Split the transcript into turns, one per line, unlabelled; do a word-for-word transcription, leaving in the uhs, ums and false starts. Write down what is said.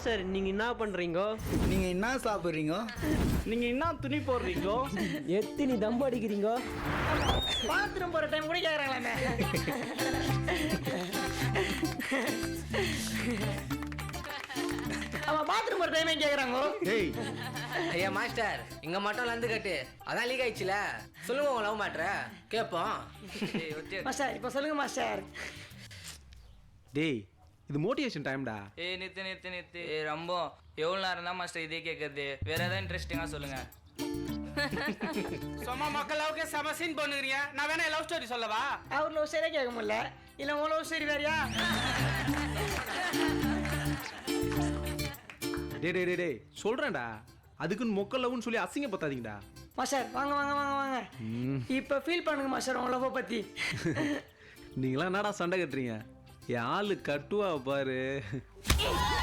Master நீங்க என்ன பண்றீங்க?
நீங்க என்ன சாப்பிடுறீங்க?
நீங்க என்ன துணி போடுறீங்க?
எத்தனை தம்பு அடிக்கிறீங்க?
பாத்ரூம் போற டைம் கூட கேக்குறாங்களாமே. அவன் பாத்ரூம் போற டைமே கேக்குறாங்க.
டேய்
ஐயா மாஸ்டர் இங்க மட்டும் லந்து கட்டு அதான் லீக் ஆயிடுச்சுல சொல்லுங்க உங்க லவ் மேட்ர கேட்போம்.
மாஸ்டர் இப்போ சொல்லுங்க மாஸ்டர்.
டேய் இது மோட்டிவேஷன் டைம்டா.
ஏய் நித்து நித்து நித்து ஏய் ரொம்ப எவ்வளோ நேரம் தான் மாஸ்டர் இதே கேட்கறது? வேற ஏதாவது இன்ட்ரெஸ்டிங்காக சொல்லுங்க.
சும்மா மக்கள் லவ்க்கே செம சீன் பண்ணுறீங்க. நான் வேணா லவ் ஸ்டோரி சொல்லவா?
அவர் லவ் சரியா கேட்க முடியல. இல்லை உன் லவ் சரி வேறையா?
டே டே டே டேய் சொல்றேன்டா. அதுக்குன்னு மொக்க லவ்னு சொல்லி அசிங்க பத்தாதீங்கடா.
மாஸ்டர் வாங்க வாங்க வாங்க வாங்க. இப்போ ஃபீல் பண்ணுங்க மாஸ்டர் உன் லவ் பத்தி.
நீங்களாம் என்னடா சண்டை கட்டுறீங்க? என் ஆளு கட்டுவா பாரு.